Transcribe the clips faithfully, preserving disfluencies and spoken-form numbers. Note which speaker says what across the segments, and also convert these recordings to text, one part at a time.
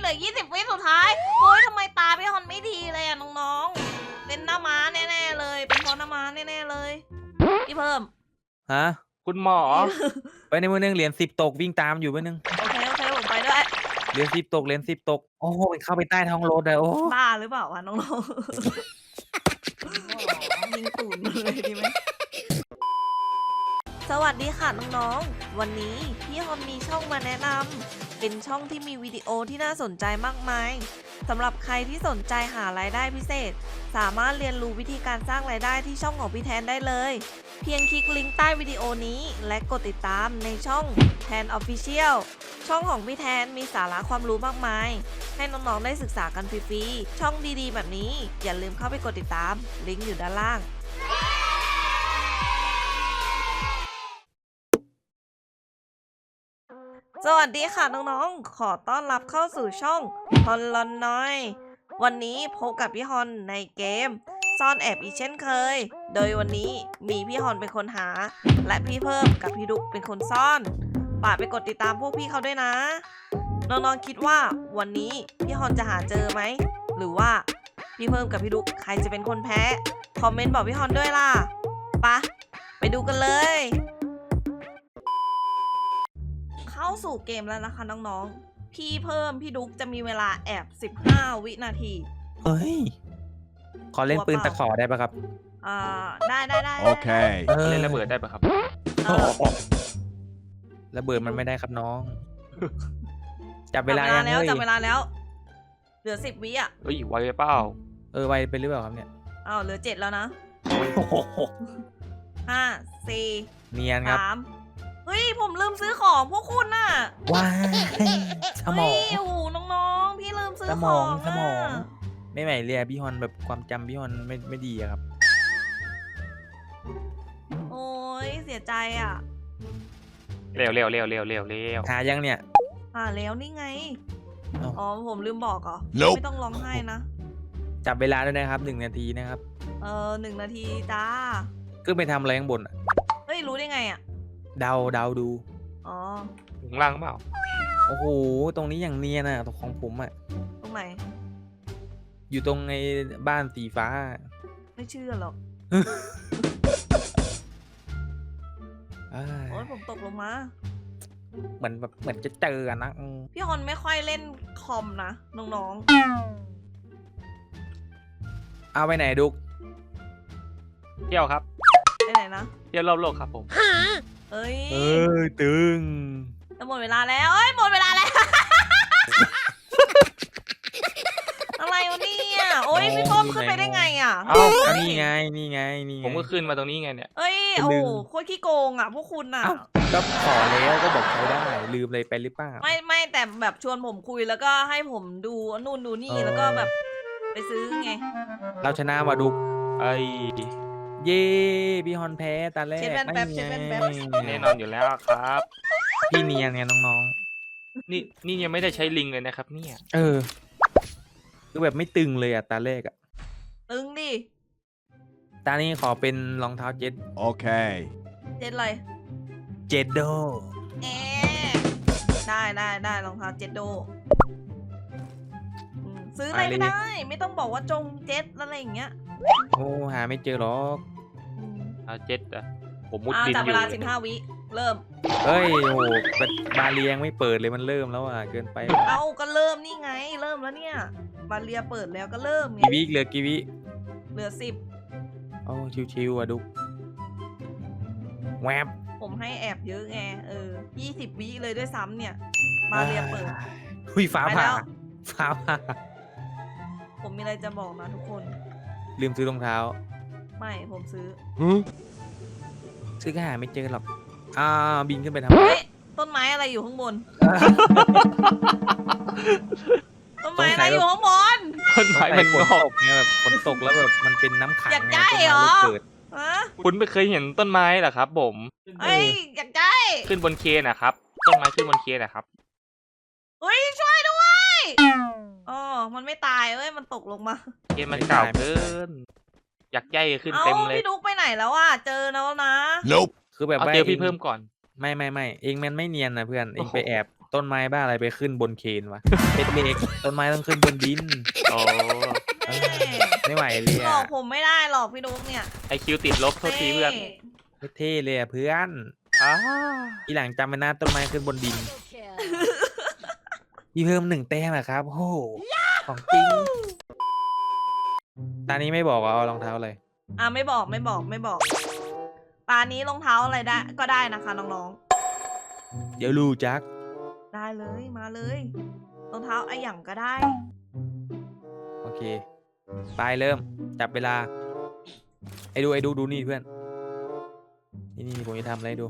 Speaker 1: เหลือยี่สิบวิสุดท้ายโอ้ยทำไมตาพี่ฮอนไม่ดีเลยอะน้องๆเป็นหน้าม้าแน่ๆเลยเป็นเพราะหน้าม้าแน่ๆเลยพี่เพิ่ม
Speaker 2: ฮะ
Speaker 3: คุณหมอ
Speaker 2: ไปในมือนึงเหรียญสิบตกวิ่งตามอยู่มือนึง
Speaker 1: โอเคโอเคผมไปด้วย
Speaker 2: เหรียญสิบตกเหรียญสิบตกโอ้โหเข้าไปใต้ท้องรถเลยโอ้
Speaker 1: บ้าหรือเปล่าวะน้องๆยิงตูนเลยดีไหมสวัสดีค่ะน้องๆวันนี้พี่ฮอนมีช่องมาแนะนำเป็นช่องที่มีวิดีโอที่น่าสนใจมากมายสำหรับใครที่สนใจหารายได้พิเศษสามารถเรียนรู้วิธีการสร้างรายได้ที่ช่องของพี่แทนได้เลยเพียงคลิกลิงก์ใต้วิดีโอนี้และกดติดตามในช่องแทน Official ช่องของพี่แทนมีสาระความรู้มากมายให้น้องๆได้ศึกษากันฟรีๆช่องดีๆแบบนี้อย่าลืมเข้าไปกดติดตามลิงก์อยู่ด้านล่างสวัสดีค่ะน้องๆขอต้อนรับเข้าสู่ช่องฮอนลอนน้อยวันนี้พบกับพี่ฮอนในเกมซ่อนแอบอีกเช่นเคยโดยวันนี้มีพี่ฮอนเป็นคนหาและพี่เพิ่มกับพี่ดุ๊กเป็นคนซ่อนฝากไปกดติดตามพวกพี่เขาด้วยนะน้องๆคิดว่าวันนี้พี่ฮอนจะหาเจอไหมหรือว่าพี่เพิ่มกับพี่ดุ๊กใครจะเป็นคนแพ้คอมเมนต์บอกพี่ฮอนด้วยล่ะปะไปดูกันเลยเข้าสู่เกมแล้วนะคะน้องๆพี่เพิ่มพี่ดุ๊กจะมีเวลาแอบสิบห้าวินาที
Speaker 2: เฮ้ยขอเล่นปืนตะขอได้ปะครับ
Speaker 1: อ่าได้ได้ได้
Speaker 3: โอเคเล่นระเบิดได้ปะครับ
Speaker 2: ระเบิดมันไม่ได้ครับน้องจับเวลา
Speaker 1: แล้วจับเวลาแล้วเหลือสิบวิอ่ะ
Speaker 3: เฮ้ยไวไปเปล่า
Speaker 2: เออไวไปหรือเปล่าครับเนี่ย
Speaker 1: อ้าวเหลือเจ็ดแล้วนะห้าสี่
Speaker 2: เนียนครับ
Speaker 1: สามเฮ้ยผมลืมซื้อของพวกคุณน่ะ
Speaker 2: ว้ายสมอง
Speaker 1: โอ้โหน้องๆพี่ลืมซื้อ
Speaker 2: สม
Speaker 1: ข
Speaker 2: อ
Speaker 1: อง
Speaker 2: สมองไม่ไหวเลยพี่ฮอนแบบความจำพี่ฮอนไม่ไม่ดีอะครับ
Speaker 1: โอ้ยเสียใจอ่ะ
Speaker 3: เร็วเร็วเร็วเร็วเร็วเร็ว
Speaker 2: หายังเนี่ย
Speaker 1: หาแล้วนี่ไงอ๋อผมลืมบอกเหรอไม่ต้องร้องไห้นะ
Speaker 2: จับเวลาด้วยนะครับหนึ่งนาทีนะครับ
Speaker 1: เออหนึ่งนาทีจ้า
Speaker 2: ขึ้นไปทำอะไรข้างบนอ่ะ
Speaker 1: เฮ้ยรู้ได้ไงอ่ะ
Speaker 2: เดาเดาดู
Speaker 1: อ๋อ
Speaker 3: ข้างล่างเปล่า
Speaker 2: โอ้โหตรงนี้อย่างเนียนอ่ะตรงของผมอ่ะ
Speaker 1: ตรงไหน
Speaker 2: อยู่ตรงไอ้บ้านสีฟ้า
Speaker 1: ไม่เชื่อหรอกโอ้ยผมตกลงมา
Speaker 2: เหมือนแบบเหมือนจะเจอนะ
Speaker 1: พี่ฮอนไม่ค่อยเล่นคอมนะน้อง
Speaker 2: ๆเอาไปไหนดุก
Speaker 3: เที่ยวครับ
Speaker 1: ไปไหนนะ
Speaker 3: เที่ยวรอบโลกครับผม
Speaker 1: เอ้ย
Speaker 2: เอ้ยตึง
Speaker 1: จะหมดเวลาแล้วเอ้ยหมดเวลาแล้วอะไรวะเนี่ยโอ้ยพี่ป้อมขึ้นไปได้ไงอ่ะ
Speaker 2: เอ้านี่ไงนี่ไงนี่
Speaker 3: ผมก็ขึ้นมาตรงนี้ไงเนี่ย
Speaker 1: เอ้ยโอ้โคตรขี้โกงอ่ะพวกคุณอ่ะ
Speaker 2: ก็ขอแล้วก็บอกใช้ได้ลืมอะไรไปหรือเปล่า
Speaker 1: ไม่ไม่แต่แบบชวนผมคุยแล้วก็ให้ผมดูนู่นดูนี่แล้วก็แบบไปซื้อไง
Speaker 2: เราชนะว่ะดุก
Speaker 3: ไอ้
Speaker 2: เย่พี่ฮอนแพ้ตาแรก
Speaker 1: เช็ดแว่นแป๊บเช็ดแว่นแป๊บ
Speaker 3: แน่นอนอยู่แล้วครับ
Speaker 2: พี่เนียนไงน้อง
Speaker 3: ๆนี่นี่ยังไม่ได้ใช้ลิงเลยนะครับเนี่ย
Speaker 2: เออคือแบบไม่ตึงเลยอะตาแรกอะ
Speaker 1: ตึงดิ
Speaker 2: ตานี้ขอเป็นรองเท้าเจ็ด
Speaker 3: โอเค
Speaker 1: เจ็ดอะไร
Speaker 2: เจ็ดโด
Speaker 1: เอได้ได้ได้รองเท้าเจ็ดโดซื้ออะไรไม่ได้ไม่ต้องบอกว่าจงเจ็ดอะไรอย่างเงี้ย
Speaker 2: โอ้หาไม่เจอหรอก
Speaker 3: เอาเจ็ดอะผมมุดดินอยู่
Speaker 1: จับเวลาสิบห้าวิเริ่ม
Speaker 2: เฮ้ยโอ้บาเรียงไม่เปิดเลยมันเริ่มแล้วอ่ะเกินไป
Speaker 1: เอาก็เริ่มนี่ไงเริ่มแล้วเนี่ยบาเรียเปิดแล้วก็เริ่มไง
Speaker 2: กีวิเหลือกีวิ
Speaker 1: เหลือสิบ
Speaker 2: โอ้ชิวๆอ่ะดุแวบ
Speaker 1: ผมให้แอบเยอะไงเออยี่สิบวิเลยด้วยซ้ำเนี่ยบาเรียเปิด
Speaker 2: หุยฟ้าผ่าฟ้าผ่า
Speaker 1: ผมมีอะไรจะบอกนะทุกคน
Speaker 2: ลืมซื้อรองเท้า
Speaker 1: ไม่ผมซื้อ
Speaker 2: ซื้อก็หาไม่เจอหรอกอ่าบินขึ้นไปทำไม
Speaker 1: ต้นไม้อะไรอยู่ข้างบนต้นไม้อะไรอยู่ข้างบน
Speaker 3: ต้นไม้มัน
Speaker 2: ฝนตกเนี่ยแบบฝนตกแล้วแบบมันเป็นน้ำขัง
Speaker 1: อยากได้เหรอ
Speaker 3: คุณไม่เคยเห็นต้นไม้เหรอครับผม
Speaker 1: เอ้ยอยากได้
Speaker 3: ขึ้นบนเคนนะครับต้นไม้ขึ้นบนเคนนะครับ
Speaker 1: เฮ้ยช่วยด้วยอ๋อมันไม่ตายเอ้ยมันตกลงมา
Speaker 3: เคนมันเก่าเกินอยากใหญ่ขึ้นเต็มเลย
Speaker 1: พี่ดุ๊กไปไหนแล้วอ่ะเจอแล้วนะ
Speaker 3: Nope คือแบบเอาเจอพี่เพิ่มก่อน
Speaker 2: ไม่ไม่ไม่เองมันไม่เนียนนะเพื่อนเองไปแอบต้นไม้บ้าอะไรไปขึ้นบนเคนวะ เป็นเหล็กต้นไม้ต้องขึ้นบนดิน
Speaker 3: โอ้
Speaker 2: เออไม่ไหวเลย
Speaker 1: หลอ
Speaker 2: อะ
Speaker 1: กผมไม่ได้หรอกพี่ดุ๊กเนี่ย
Speaker 3: ไอคิวติดลบโทษทีเพื่อน
Speaker 2: ไม่เท่เลยอะเพื่อน
Speaker 3: อ้า
Speaker 2: ทีหลังจำไว้นะต้นไม้ขึ้นบนดินพี่เพิ่มหนึ่งแต้มอะครับโอ้โหของจริงตอนนี้ไม่บอกว่าเอารองเท้าอะไร
Speaker 1: อ่ะไม่บอกไม่บอกไม่บอกตานี้รองเท้าอะไรได้ก็ได้นะคะน้อง
Speaker 2: เดี๋ยวรู้จัก
Speaker 1: ๆได้เลยมาเลยรองเท้าไอหยั่งก็ได้
Speaker 2: โอเคไปเริ่มจับเวลาไอ้ดูไอ้ดูดูนี่เพื่อนนี่นี่ผมจะทำอะไรให้ดู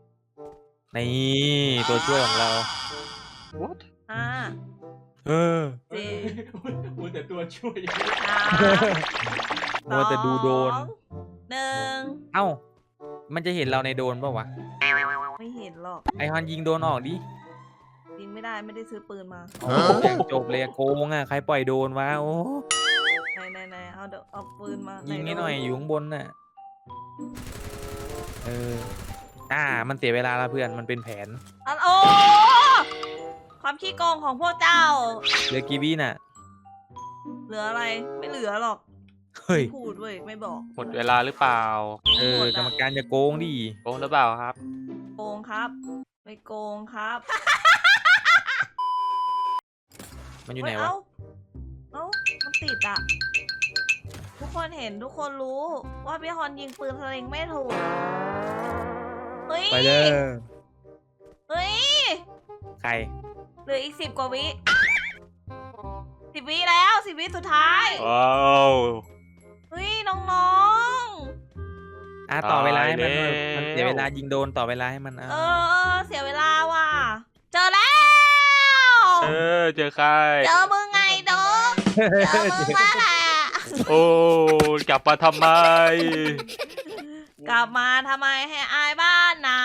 Speaker 2: นี่ตัวช่วยของเรา
Speaker 3: what
Speaker 1: ห้า
Speaker 2: เออ
Speaker 1: สี่
Speaker 3: มันแต่ตัวช่วย
Speaker 1: สาม
Speaker 2: มัวแต่ดูโดน
Speaker 1: สองหนึ่ง
Speaker 2: เอ้ามันจะเห็นเราในโดนป่าวะ
Speaker 1: ไม่เห็นหรอก
Speaker 2: ไอฮอนยิงโดนออกดิ
Speaker 1: ยิงไม่ได้ไม่ได้ซื้อปืนมา
Speaker 2: โอ้อย่างจบเลยอะโกงอ่ะใครปล่อยโดนวะโอ้
Speaker 1: ไหนไหนไหนเอาเดี๋ยวเอาปืนมา
Speaker 2: ยิง
Speaker 1: ไ
Speaker 2: นิดหน่อยอยู่ข้างบนน่ะเอออ่ามันเสียเวลาแล้วเพื่อนมันเป็นแผน
Speaker 1: อันโอ้ความขี้โกงของพวกเจ้า
Speaker 2: เหลือกี่วิน่ะ
Speaker 1: เหลืออะไรไม่เหลือหรอก
Speaker 2: เฮ้ย
Speaker 1: พูดเว้ยไม่บอก
Speaker 3: หมดเวลาหรือเปล่า
Speaker 2: เออกรรมการจะโกงดิ
Speaker 3: โกงหรือเปล่าครับ
Speaker 1: โกงครับไม่โกงครับ
Speaker 2: มันอยู่ไหน
Speaker 1: เฮ้
Speaker 2: วะ
Speaker 1: เอ้าเอ้ามันติดอ่ะ ทุกคนเห็นทุกคนรู้ว่าพี่ฮอนยิงปืนสลิงไม่ถูก เฮ้ย
Speaker 2: ไปเลย
Speaker 1: เฮ้ย
Speaker 2: ใคร
Speaker 1: เหลืออีกสิบกว่าวิสิบวิแล้วสิบวิสุดท้าย
Speaker 3: ว้าว
Speaker 1: เฮ้ยน้อง
Speaker 2: อ่ะต่อเวลาให้มัน
Speaker 3: ตายแล้ว
Speaker 2: มันเสียเวลายิงโดนต่อเวลาให้มัน
Speaker 1: ๆ
Speaker 2: อ่ะ
Speaker 1: เออเสียเวลาว่ะ เจอแล้ว
Speaker 3: เออเจอใคร
Speaker 1: เจอมึงไงดงเจอมึงแล้วแหละ
Speaker 3: โอ้กลับมาทำไม
Speaker 1: กลับมาทำไมให้อายบ้านนะ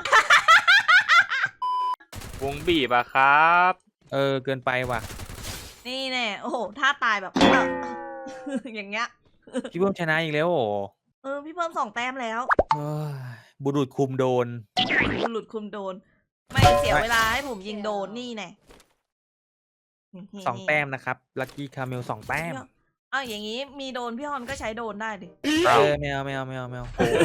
Speaker 3: วงบีบอะครับ
Speaker 2: เออเกินไปว่ะ
Speaker 1: นี่แน่โอ้โหท่าตายแบบ อย่างเงี้ย
Speaker 2: พี่เพิ่มชนะอีกแล้วโอ้
Speaker 1: เออพี่เพิ่มสองแต้มแล้ว
Speaker 2: เฮ้ยบุรุษคุมโดน
Speaker 1: หลุดคุมโดน ไม่เสียเวลาให้ผมยิงโดนนี่แน่
Speaker 2: สองแต้มนะครับลัคกี้คาเมลสองแต้ม
Speaker 1: อ้าวอย่างนี้มีโดนพี่ฮอนก็ใช้โดนได้ดิ
Speaker 2: เออไม่เอาไม่เอาไม่เอาไม่เอา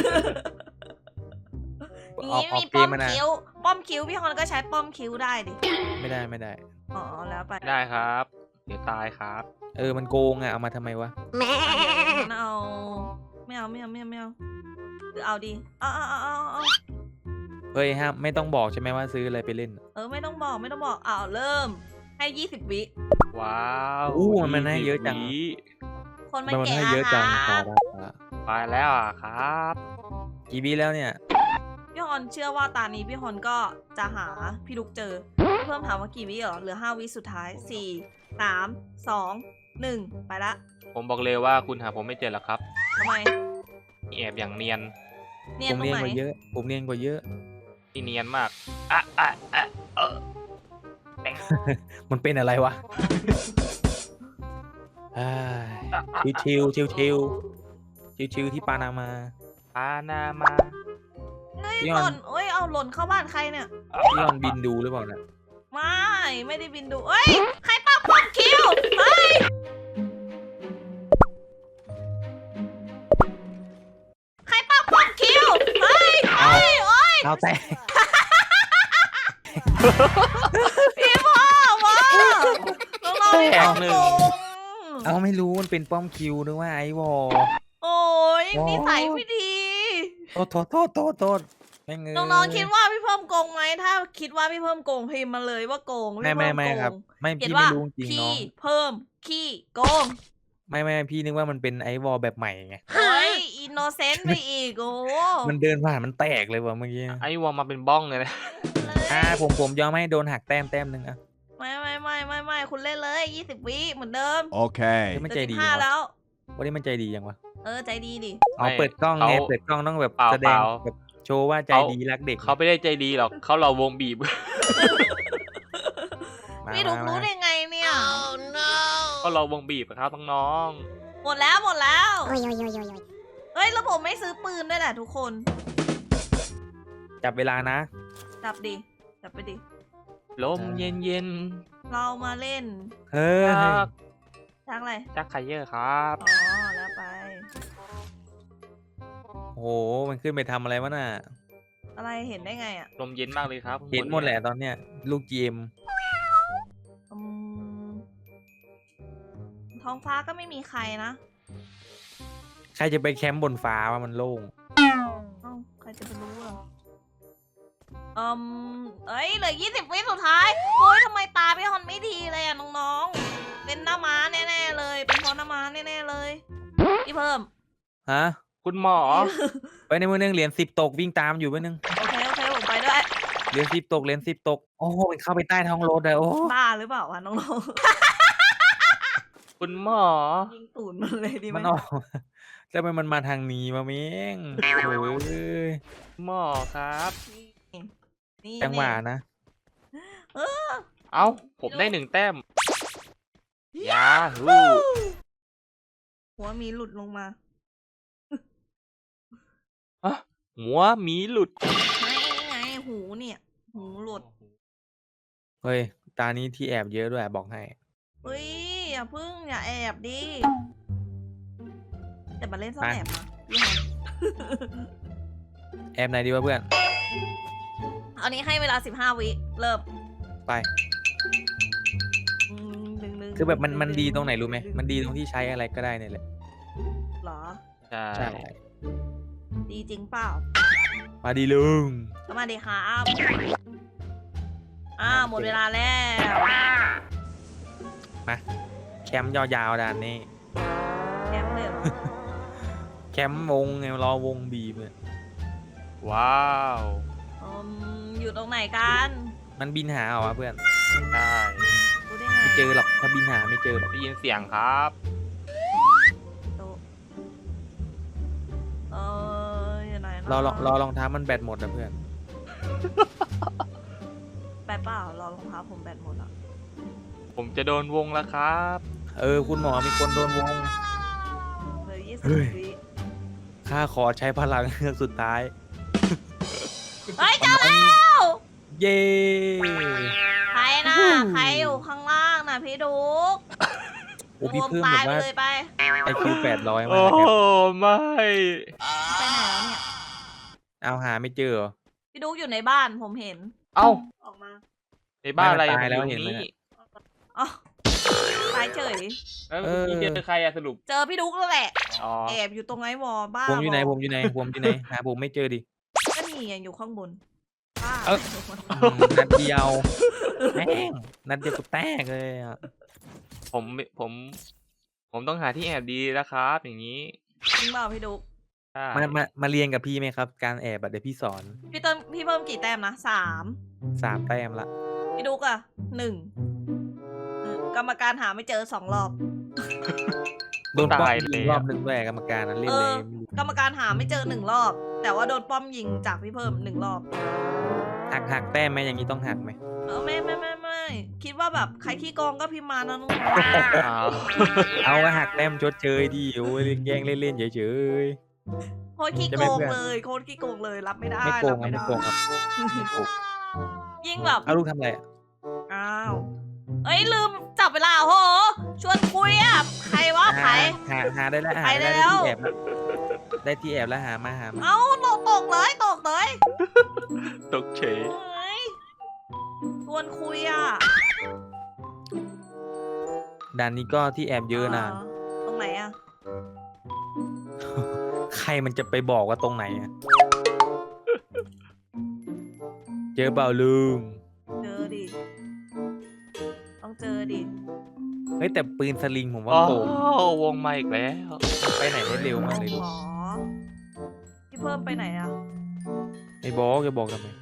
Speaker 2: โอ้
Speaker 1: อย่าง
Speaker 2: ออก
Speaker 1: นี้
Speaker 2: ออก
Speaker 1: มี
Speaker 2: เก
Speaker 1: ป้อ
Speaker 2: ม
Speaker 1: ม
Speaker 2: มานะ
Speaker 1: คิ้ว ป้อมคิ้วพี่ฮอนก็ใช้ป้อมคิ้วได้ดิ
Speaker 2: ไม่ได้ไม่ได้
Speaker 1: อ๋อแล้วไป
Speaker 3: ได้ครับ เดี๋ยวตายครับ
Speaker 2: เออมันโกงอ่ะเอามาทำไมวะ
Speaker 1: งั้นเอาไม่เอาไม่เอาไม่เอาไม่เอาหรือเอาดีเอาเอาเอาเอาเอา
Speaker 2: เฮ้ยห้ามไม่ต้องบอกใช่ไหมว่าซื้ออะไรไปเล่น
Speaker 1: เออไม่ต้องบอกไม่ต้องบอกเอาเริ่มให้ยี่สิบวิ
Speaker 3: ว้าว
Speaker 2: อู้มันมันให้เยอะจัง
Speaker 3: วิ
Speaker 1: คนมัน
Speaker 2: มัน
Speaker 1: แก่
Speaker 2: ให้เยอะ
Speaker 1: อะ
Speaker 2: จัง
Speaker 1: ค
Speaker 2: ค
Speaker 1: รั
Speaker 2: รั
Speaker 1: บบ
Speaker 3: ไปแล้วอะครับ
Speaker 2: กี่วิแล้วเนี่ย
Speaker 1: พี่ฮอนเชื่อว่าตานี้พี่ฮอนก็จะหาพี่ลุกเจอพี่เพิ่มถามว่ากี่วิเหรอเหลือห้าวิสุดท้ายสี่สามสองหนึ่งไปละ
Speaker 3: ผมบอกเลยว่าคุณหาผมไม่เจอหรอกครับ
Speaker 1: ทำไม
Speaker 3: แอบอย่างเนียน
Speaker 1: เนีย
Speaker 2: ผ
Speaker 1: น
Speaker 2: ม
Speaker 1: ตรง
Speaker 2: เรียน
Speaker 1: ไหน
Speaker 2: กว่าเยอะ ผมเรียนกว่าเยอะ
Speaker 3: ที่เนียนมากอ่ะอ่ะอ่ะเออ
Speaker 2: มันเป็นอะไรวะชิวชิวชิวชิวชิวชิวๆที่ปานามา
Speaker 3: ปานามา
Speaker 1: เฮ้ย
Speaker 2: พี่
Speaker 1: ห
Speaker 2: ฮอน
Speaker 1: ล่นเอ้ยเอาหล่นเข้าบ้านใครเนี่ย
Speaker 2: พี่ออนบินดูหรือเปล่านะ
Speaker 1: ไม่ไม่ได้บินดูเอ้ยใครปักป้อมคิวเฮ้ยใครปักป้อมคิวเฮ้ย
Speaker 2: เอา
Speaker 1: เฮ้ยโอ้ย
Speaker 2: เอาแต่
Speaker 1: พี่พ่อมาน้องๆ
Speaker 3: แต
Speaker 1: พี่
Speaker 3: ก
Speaker 1: พ่อ
Speaker 3: หนึ่ง
Speaker 1: โกง
Speaker 2: เอาไม่รู้มันเป็นป้อมคิวนึกว่าไอวอล
Speaker 1: โอ้ยนิสัยไม่ดี
Speaker 2: โทษโทษโทษโทษโทษแม่งเอ้ย
Speaker 1: น้องๆคิดว่าพี่เพิ่มโกงไหมถ้าคิดว่าพี่เพิ่มโกงพิมพ์มาเลยว่าโกง
Speaker 2: ไม่
Speaker 1: พี่
Speaker 2: ไม่
Speaker 1: เพิ่ม
Speaker 2: ไม่
Speaker 1: โก
Speaker 2: ครับ
Speaker 1: ง
Speaker 2: ไม่
Speaker 1: เขียน
Speaker 2: พี่
Speaker 1: ว่า
Speaker 2: ไม่รู้จริงน้
Speaker 1: พี่
Speaker 2: อง
Speaker 1: เพิ่มขี้โกง
Speaker 2: ไม่ไม่พี่นึกว่ามันเป็นไอวอลแบบใหม่ไง
Speaker 1: เฮ้ยอินโนเซนต์ไปอีกโอ้
Speaker 2: มันเดินผ่านมันแตกเลยว่ะเมื่อกี้
Speaker 3: ไอ้วอลมาเป็นบ้องเลยนะ
Speaker 2: อ่าผมผมยอมให้โดนหักแต้มแต้มหนึ่งอ่ะ
Speaker 1: ไม่ไม่ไม่ไม่ไม่คุณเล่นเลยยี่สิบวิเหมือนเดิม
Speaker 4: Okay.
Speaker 2: เฮ้ยมัน
Speaker 1: เหลื
Speaker 2: ใจ
Speaker 1: อสิ
Speaker 2: ดี
Speaker 1: บห้า
Speaker 2: เนาะ
Speaker 1: แล้ว
Speaker 2: วันนี้มันใจดียังวะ
Speaker 1: เออใจดีดิ
Speaker 2: เอาเปิดกล้องไงเปิดกล้องต้องแบบ
Speaker 3: เปล่า
Speaker 2: แสด
Speaker 3: เป
Speaker 2: ง
Speaker 3: ล่า
Speaker 2: แบบโชว์ว่าใจดีรักเด็ก
Speaker 3: เขาไม่ได้ใจดีหรอกเขาเราวงบีบ
Speaker 2: มา
Speaker 1: พี่ลุก
Speaker 2: มา
Speaker 1: รู้
Speaker 2: มา
Speaker 1: ได้ไงเนี่ย
Speaker 3: ก็เราวงบีบอะครับน้อง
Speaker 1: หมดแล้วหมดแล้ว
Speaker 5: Oi, oi, oi, oi, oi.
Speaker 1: เฮ้ยแล้วผมไม่ซื้อปืนด้วยแหละทุกคน
Speaker 2: จับเวลานะ
Speaker 1: จับดิจับไปดิ
Speaker 3: ลมเย็นเย็น
Speaker 1: เรามาเล่น
Speaker 2: เฮ้ย
Speaker 3: จัก
Speaker 1: ชักอะไร
Speaker 3: จักไคเยอร์ครับ
Speaker 1: อ๋อ แล้วไป
Speaker 2: โอ้โหมันขึ้นไปทำอะไรวะน่ะ
Speaker 1: อะไรเห็นได้ไงอ่ะ
Speaker 3: ลมเย็นมากเลยครับ
Speaker 2: เห็นหมดแหละตอนเนี้ยลูกจีเอ็ม
Speaker 1: อืมท้องฟ้าก็ไม่มีใครนะ
Speaker 2: ใครจะไปแคมป์บนฟ้าว่ามันโล่ง
Speaker 1: เอ้าใครจะไปรู้อ่ะอืมเอ้ยเหลือยี่สิบวิสุดท้ายโอ้ยทำไมตาพี่ฮอนไม่ดีเลยอ่ะน้องๆ เป็นหน้าม้าแน่ๆเลย เป็นเพราะหน้าม้าแน่ๆเลย พี่เพิ่ม
Speaker 2: ฮะ
Speaker 3: คุณหมอ
Speaker 2: ไปในมือนึงเหรียญสิบตกวิ่งตามอยู่มือนึง
Speaker 1: โอเคโอเคผมไปด้วย
Speaker 2: เหรียญสิบตกเหรียญสิบตกโอ้โหมันเข้าไปใต้ท้องรถเลยโอ้
Speaker 1: บ้าหรือเปล่าวะน้อง
Speaker 3: คุณหมอ
Speaker 1: ๆ ยิงตูดมันเลยดีไหม
Speaker 2: มันออกแล้วมันมันมาทางนี้มาเม้งโอ้ย
Speaker 3: หมอครับ
Speaker 1: นี่
Speaker 2: จังหวะนะ
Speaker 1: เออ
Speaker 3: เอ้า ผมได้หนึ่งแต้มยาฮู
Speaker 1: หัวมีหลุดลงมา
Speaker 3: อ่ะหัวหมีหลุด
Speaker 1: ไม่ไงหูเนี่ย หูหลุด
Speaker 2: เฮ้ยตานี้ที่แอบเยอะด้วยบอกให้
Speaker 1: เฮ้ยอย่าพึ่งอย่าแอบดิแต่มาเล่นซ่อน
Speaker 2: ไป
Speaker 1: แอบนะพี่ฮอน
Speaker 2: แอบไหนดีวะเพื่อน
Speaker 1: เอานี้ให้เวลาสิบห้าวิเริ่ม
Speaker 2: ไป
Speaker 1: อืมดึงดึง
Speaker 2: คือแบบมันมันดีตรงไหนรู้ไหมมันดีตรงที่ใช้อะไรก็ได้เนี่ยแหละ
Speaker 1: เหรอ
Speaker 3: ใช่
Speaker 2: ใช่
Speaker 1: ดีจริงเปล่า
Speaker 2: มาดีลุง
Speaker 1: ก็มาดีครับอ่าหมดเวลาแล้ว
Speaker 2: มาแคมป์ยาวๆด่านนี้
Speaker 1: แกมเลยเหรอ
Speaker 2: แคมป์วงไงรอวงบีบเลย
Speaker 3: ว้าว
Speaker 1: อืมอยู่ตรงไหนกัน
Speaker 2: มันบินหาเหรอวะเพื่อน
Speaker 3: ใช่
Speaker 1: รู้ได้ไง
Speaker 2: ไม่เจอหรอกถ้าบินหาไม่เจอหรอก
Speaker 3: ได้ยินเสียงครับ
Speaker 1: โต๊ะเอออยู่ไหนนะ
Speaker 2: รอลองรอรองเท้ามันแบตหมดนะเพื่อน
Speaker 1: แบตเปล่ารอรองเท้าผมแบตหมดอ่ะ
Speaker 3: ผมจะโดนวงแล้วครับ
Speaker 2: เออคุณหมอมีคนโดนวง
Speaker 1: เหลยยี่สิ
Speaker 2: เฮ้
Speaker 1: บ
Speaker 2: ย
Speaker 1: วิ
Speaker 2: ข้าขอใช้พลังเฮือกสุดท้าย
Speaker 1: เฮ้ยเจอแล้ว
Speaker 2: เย้
Speaker 1: ใครนะใครอยู่ข้างล่างนะพี่ดุ๊ก
Speaker 2: โอ้พี่
Speaker 1: รวม
Speaker 2: เพิ่ม
Speaker 1: ตา
Speaker 2: แบ
Speaker 1: ย
Speaker 2: บ
Speaker 1: ไป
Speaker 2: ว่า
Speaker 1: เลยไป
Speaker 2: ไอคิวแปดร้อยมา
Speaker 3: โอ้
Speaker 2: ก
Speaker 3: โห
Speaker 2: ครับ
Speaker 3: ไม่
Speaker 1: ไปไหนแล้วเนี่ย
Speaker 2: เอาหาไม่เจอเหรอ
Speaker 1: พี่ดุ๊กอยู่ในบ้านผมเห็น
Speaker 3: เอ้า
Speaker 1: ออกมา
Speaker 3: ในบ้านอะไร
Speaker 2: ไม่มันตายแล้ว
Speaker 3: ผมอ
Speaker 2: เห็นไหม
Speaker 3: นี่
Speaker 1: อ๋อตายเฉย
Speaker 3: แล้ว
Speaker 2: เออ
Speaker 3: พี่เจอใครอะสรุป
Speaker 1: เจอพี่ดุ๊กแล้วแหละ
Speaker 3: อ๋อ
Speaker 1: แอบอยู่ตรงไอ้วอบ้า
Speaker 2: ผมอยู่ไหน
Speaker 1: บ
Speaker 2: ผมอยู่ไหนผมอยู่ไหนหาผมไม่เจอดิ
Speaker 1: ก็นี่ไงอยู่ข้างบนบ้า
Speaker 2: เอ้า อืมนัดเดียวแม่งนัดเดียวก็แตกเลยอ่ะ
Speaker 3: ผมผม ผมต้องหาที่แอบดีแล้วครับ อย่างนี้
Speaker 1: จริงเปล่าพี่ดุ๊ก
Speaker 3: ใช่
Speaker 2: มามามาเรียนกับพี่ไหมครับ การแอบอะเดี๋ยวพี่สอน
Speaker 1: พี่เติมพี่เพิ่มกี่แต้มนะสาม
Speaker 2: สามแต้มละ
Speaker 1: พี่ดุ๊กอะหนึ่งเออกรรมการหาไม่เจอสองรอบ
Speaker 2: โดนป้อม
Speaker 3: ตาย
Speaker 2: ยิง
Speaker 3: แล้
Speaker 2: รอ
Speaker 3: ว
Speaker 2: บหนึ่งด้วยกรรมการนั้นเล่น
Speaker 1: เอ
Speaker 2: เล
Speaker 1: อ
Speaker 2: ยไม่รู้
Speaker 1: กรรมการหาไม่เจอหนึ่งรอบ แต่ว่าโดนป้อมยิงจากพี่เพิ่มหนึ่งรอบ
Speaker 2: หักหักแต้มไหมอย่างนี้ต้องหักไหม
Speaker 1: เออไม่ไม่ไม่ไม่คิดว่าแบบใครขี้โกงก็พิมพ์มานะน้อง
Speaker 3: อ้าว
Speaker 2: เอาก็หักแต้มชดเชยดิโอ้ยแกล้งเล่นๆเฉย
Speaker 1: โคตรขี้
Speaker 2: จะ
Speaker 1: โก
Speaker 2: ไม่
Speaker 1: ง
Speaker 2: เพื่อน
Speaker 1: เลยโคตรขี้โกงเลยรับไม่ได้
Speaker 2: ๆไม่โก
Speaker 1: รั
Speaker 2: ง
Speaker 1: บ
Speaker 2: ครับ
Speaker 1: ไม่
Speaker 2: ไม่
Speaker 1: ได้
Speaker 2: โกงครับไม่โกง
Speaker 1: ยิ่งแบบ
Speaker 2: เอาลูกทำอะไรอะ
Speaker 1: อ้าวเอ้ยลืมจับเวลาโหชวนคุยอ่ะใครวะใคร
Speaker 2: หาหาได้แล้วหา
Speaker 1: ไป
Speaker 2: ได้
Speaker 1: แล้
Speaker 2: ได้
Speaker 1: ว
Speaker 2: ที่แอบแล้วได้ที่แอบแล้วหามาหามา
Speaker 1: เอ้าตกตกเลยตกเลย
Speaker 3: ตกเฉย
Speaker 1: เฮ้ยชวนคุยอ่ะ
Speaker 2: ด่านนี้ก็ที่แอบเยอะนะ
Speaker 1: ตรงไหนอ่ะ
Speaker 2: ใครมันจะไปบอกว่าตรงไหนอะเจอเปล่าลุง
Speaker 1: เจอดิต้องเจอดิ
Speaker 2: เฮ้ยแต่ปืนสลิงผมว่า
Speaker 3: อ๋อ
Speaker 2: โกง
Speaker 3: วงมาอีกแล้ว
Speaker 2: ไปไหนได้เร็วมากเลย
Speaker 1: ห
Speaker 2: ลู
Speaker 1: ม
Speaker 2: ก
Speaker 1: อพี่เพิ่มไปไหนอ่ะ
Speaker 2: ไอ้บอกจะบอกทำไม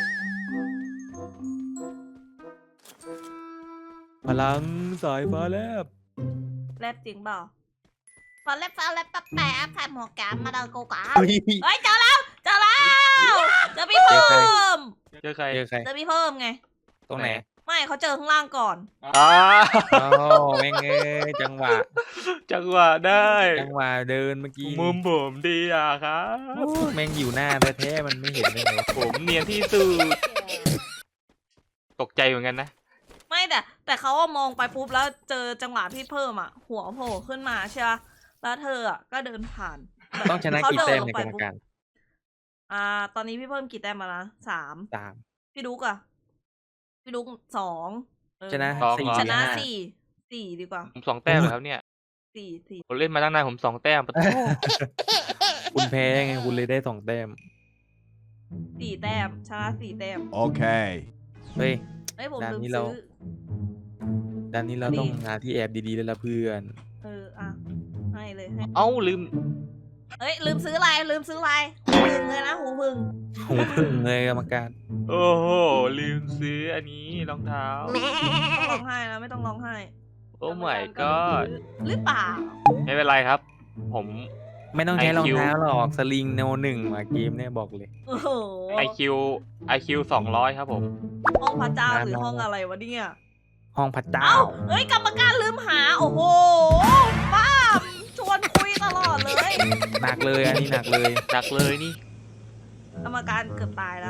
Speaker 2: พลังสายฟ้าแลบ
Speaker 1: แลบจริงเปล่าพอแลบฟ้าแลบแป๊บแป๊บใส่หมวกแกมมาเดินกูกา
Speaker 2: เฮ้ย
Speaker 1: เฮ้ยเจอแล้วเจอแล้วเจอพี่เพิ่ม
Speaker 3: เจอใคร
Speaker 2: เจอใคร
Speaker 1: เจอพี่เพิ่มไง
Speaker 2: ตรงไหน
Speaker 1: ไม่เขาเจอข้างล่างก่อน
Speaker 3: อ้า
Speaker 2: โอ้แม่งเอ้ยจังหวะ
Speaker 3: จังหวะได้
Speaker 2: จังหวะเดินเมื่อกี้
Speaker 3: มุมผมดีอ่ะครับ
Speaker 2: โอ้แม่งอยู่หน้าแท้ๆมันไม่เห็นได้ไงวะ
Speaker 3: ผมเนียนที่สุดตกใจเหมือนกันนะ
Speaker 1: ไม่แต่แต่เขาอะมองไปปุ๊บแล้วเจอจังหวะพี่เพิ่มอ่ะ หัวโผล่ขึ้นมาใช่ปะแล้วเธออ่ะก็เดินผ่านแบบ
Speaker 2: ต้องชนะ
Speaker 1: เขา
Speaker 2: กี่
Speaker 1: เดิ
Speaker 2: แต้ม
Speaker 1: ลง
Speaker 2: ใน
Speaker 1: ไป
Speaker 2: กรรม
Speaker 1: ปุ๊บ
Speaker 2: การ
Speaker 1: อ่า ตอนนี้พี่เพิ่มกี่แต้มมาละสาม
Speaker 2: สาม
Speaker 1: พี่ดุกอะพี่ดุกสองเออ
Speaker 2: ชนะ
Speaker 3: สอง
Speaker 2: สี่
Speaker 3: เหรอ
Speaker 1: ชนะ
Speaker 2: ห้า
Speaker 1: สี่สี่ดีกว่า
Speaker 3: ผมสองแต้มเลยครับเนี่ย
Speaker 1: สี่สี่
Speaker 3: ผมเล่นมาตั้งนานผมสองแต้มปะโท
Speaker 2: คุณแพ้ไงคุณเลยได้สองแต้ม
Speaker 1: สี่แต้มชนะสี่แต้ม
Speaker 4: Okay.
Speaker 2: เฮ้ย
Speaker 1: เอ้ยผม
Speaker 2: ด้าน
Speaker 1: ลืม
Speaker 2: นี้เรา
Speaker 1: ซื้อ
Speaker 2: ด้านนี้เรา
Speaker 1: นี่
Speaker 2: ต้องหาที่แอบดีๆแล้วล่ะเพื่อน
Speaker 1: เอออ่ะให้เลยให้
Speaker 3: เอ้าลืม
Speaker 1: เอ้ยลืมซื้ออะไรลืมซื้ออะไรหูพึ่งเลยนะหูพึ่ง
Speaker 2: หูพึ่งเลยกรรมการ
Speaker 3: โอ้โหลืมซื้ออันนี้รองเท้า
Speaker 1: ไม่ต้องร้องไห้นะไม่ต้องร้องไห้
Speaker 3: โอ้ my
Speaker 1: กรรมการ
Speaker 3: god
Speaker 1: หรือเปล่า
Speaker 3: ไม่เป็นไรครับ ผม
Speaker 2: ไม่ต้องใช้รอง
Speaker 3: ไอคิว
Speaker 2: เท้าหรอกสลิงโนหนึ่งมาเกมเนี่ยบอกเลย
Speaker 1: โอ้โห
Speaker 3: ไอคิวไอคิวสองร้อยครับผม
Speaker 1: ห้องพระเจ้าหรือ
Speaker 2: มา
Speaker 1: ห้องอะไรวะเนี่ย
Speaker 2: ห้องพระเจ้า
Speaker 1: เอ้าเอ้ยกรรมการลืมหา โอ้โหป้าชวนคุยตลอดเลย
Speaker 2: หนักเลยอันนี้หนักเลย
Speaker 3: หนักเลยนี่
Speaker 1: กรรมการเกือบตายแล้ว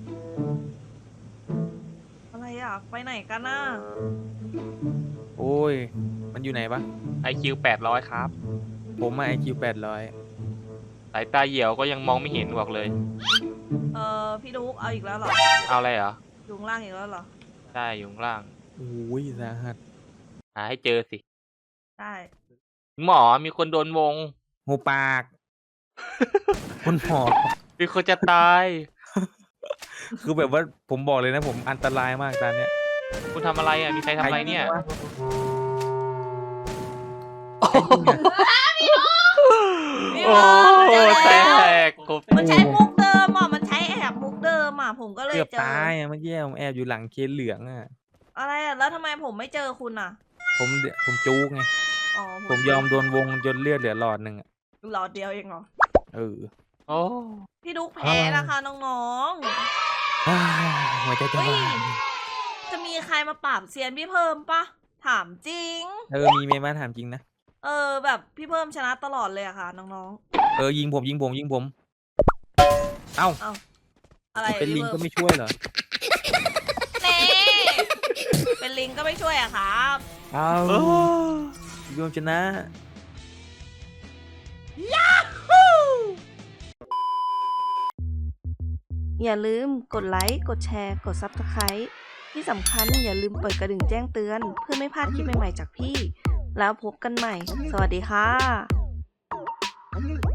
Speaker 1: อะไรอ่ะ ไปไหนกันน่ะ
Speaker 2: โอ้ย มันอยู่ไหนปะ
Speaker 3: ไอคิวแปดร้อยครับ
Speaker 2: ผมมาไอคิวแปดร้อย
Speaker 3: สายตาเหี่ยวก็ยังมองไม่เห็นบอกเลย
Speaker 1: เออพี่ดุ๊กเอาอีกแล้วเหรอ
Speaker 3: เอาอะไรเหรอ
Speaker 1: อยู่ข้างล่างอีกแล้วเหรอ
Speaker 3: ใช่อยู่ข้างล่าง
Speaker 2: โอ้ยสาหัส
Speaker 3: หาให้เจอสิ
Speaker 1: ได้
Speaker 3: หมอมีคนโดนวง
Speaker 2: หูปาก คุณหมอ
Speaker 3: มีคนจะตาย
Speaker 2: คือแบบว่าผมบอกเลยนะผมอันตรายมากตอนเนี้ย
Speaker 3: คุณทำอะไรอ่ะ มีใครทำอะไรเนี่ย
Speaker 2: ใครวะ
Speaker 1: พี่
Speaker 3: โอ้
Speaker 1: เจอ
Speaker 3: แต
Speaker 1: แล้ว
Speaker 3: กกบ
Speaker 1: มันใช้มุกเดิมอ่ะ มันใช้แอบมุกเดิมอ่ะ ผมก็เลย
Speaker 2: เกือบ
Speaker 1: เจอ
Speaker 2: ตายอะเมื่อกี้ผมแอบอยู่หลังเคสเหลืองอ่ะ
Speaker 1: อะไรอ่ะ แล้วทำไมผมไม่เจอคุณอ่ะ
Speaker 2: ผมเดผมจูกไง
Speaker 1: อ๋อ
Speaker 2: ผมยอมโดนวงจนเลือดเหลือหลอดหนึ่งอ่ะ
Speaker 1: หลอดเดียวเองเหรอ
Speaker 2: เออ
Speaker 3: โอ้
Speaker 1: พี่ดุ๊กแพ้นะคะน้อง
Speaker 2: อ้าวหัวใจ
Speaker 1: ๆ
Speaker 2: จะ
Speaker 1: เฮ้ยว
Speaker 2: าย
Speaker 1: จะมีใครมาปราบเซียนพี่เพิ่มปะ ถามจริง
Speaker 2: เออมีเมย์มาถามจริงนะ
Speaker 1: เออ แบบพี่เพิ่มชนะตลอดเลยอะค่ะน้อง
Speaker 2: เออยิงผมยิงผมยิงผม เอ้า
Speaker 1: ๆ เอ้า อะไร
Speaker 2: เป็นลิ
Speaker 1: พี่
Speaker 2: งก็
Speaker 1: เพิ่ม
Speaker 2: ไม่ช่วยเหรอ
Speaker 1: เน่เป็นลิงก็ไม่ช่วยอะครับ
Speaker 2: เอ้า
Speaker 3: โอ้
Speaker 2: รวมชนะ
Speaker 1: อย่าลืมกดไลค์ กดแชร์ กด ซับสไครบ์ ที่สำคัญอย่าลืมเปิดกระดิ่งแจ้งเตือน เพื่อไม่พลาดคลิปใหม่ๆจากพี่ แล้วพบกันใหม่ สวัสดีค่ะ